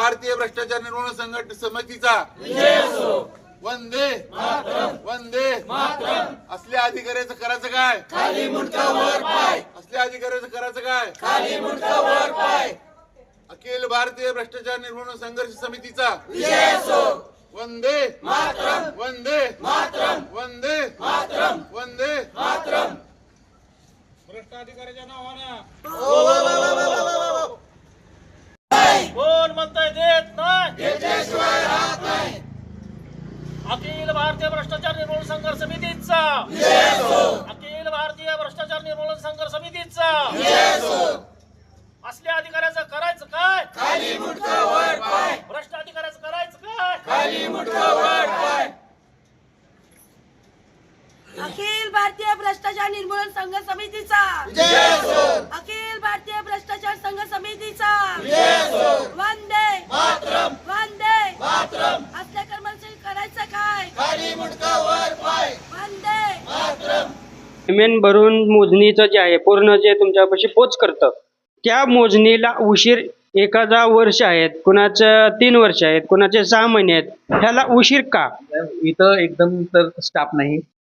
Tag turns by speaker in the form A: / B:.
A: भारतीय भ्रष्टाचार निर्मूलन संघटना समितीचा वंदे वंदे असल्या अधिकाऱ्याचं करायचं काय? खाली मुंडका वर पाय. असल्या अधिकाऱ्याचं करायचं काय? खाली मुंडका वर पाय. अखिल भारतीय भ्रष्टाचार निर्मूलन संघर्ष समितीचा वंदे वंदे वंदे वंदे
B: भ्रष्ट अधिकाऱ्याच्या नावानं कोण म्हणताय देत नाही, अखिल भारतीय भ्रष्टाचार निर्मूलन संघर्ष समितीचा अखिल भारतीय भ्रष्टाचार निर्मूलन संघर्ष समितीचा असल्या अधिकाऱ्याचं करायचं काय? खाली मुंडका वर पाय. भ्रष्ट अधिकाऱ्याचं करायचं काय? खाली मुंडका वर पाय.
C: अखिल भारतीय भ्रष्टाचार निर्मूलन संघ समितीचा अखिल भारतीय भ्रष्टाचार संघ समितीचा वंदे वंदे असल्या कर्मचारी करायचं काय? खाली मुंडका वर पाय. वंदे
D: पेमेंट भरून मोजणीचं जे आहे पूर्ण जे तुमच्यापाशी पोच करतं त्या मोजणीला उशीर एखादा वर्ष आहेत, कुणाचं 3 वर्ष आहेत, कुणाचे 6 महिने आहेत, ह्याला उशीर का?
E: इथं एकदम तर स्टाफ नाही,